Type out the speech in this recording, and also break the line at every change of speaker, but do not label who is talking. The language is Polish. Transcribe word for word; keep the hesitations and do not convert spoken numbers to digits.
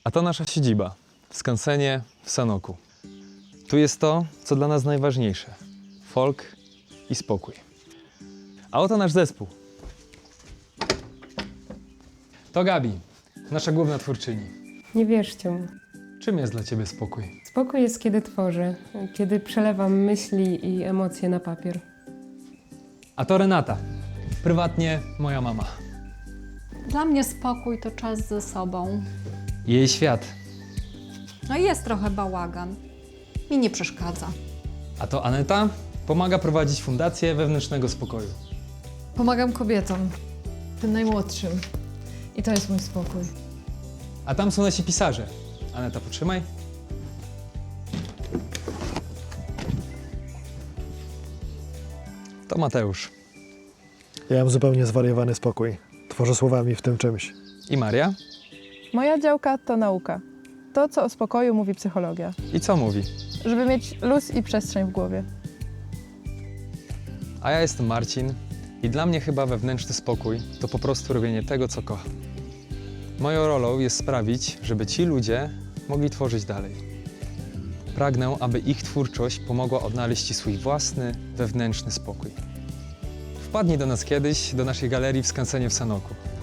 A to nasza siedziba w skansenie w Sanoku. Tu jest to, co dla nas najważniejsze. Folk i spokój. A oto nasz zespół. To Gabi, nasza główna twórczyni.
Nie wierzcie mu.
Czym jest dla ciebie spokój?
Spokój jest, kiedy tworzę, kiedy przelewam myśli i emocje na papier.
A to Renata, prywatnie moja mama.
Dla mnie spokój to czas ze sobą.
Jej świat.
No i jest trochę bałagan. Mi nie przeszkadza.
A to Aneta pomaga prowadzić Fundację Wewnętrznego Spokoju.
Pomagam kobietom, tym najmłodszym. I to jest mój spokój.
A tam są nasi pisarze. Aneta, potrzymaj. To Mateusz.
Ja mam zupełnie zwariowany spokój. Tworzę słowami w tym czymś.
I Maria.
Moja działka to nauka. To, co o spokoju mówi psychologia.
I co mówi?
Żeby mieć luz i przestrzeń w głowie.
A ja jestem Marcin i dla mnie chyba wewnętrzny spokój to po prostu robienie tego, co kocham. Moją rolą jest sprawić, żeby ci ludzie mogli tworzyć dalej. Pragnę, aby ich twórczość pomogła odnaleźć ci swój własny, wewnętrzny spokój. Wpadnij do nas kiedyś, do naszej galerii w skansenie w Sanoku.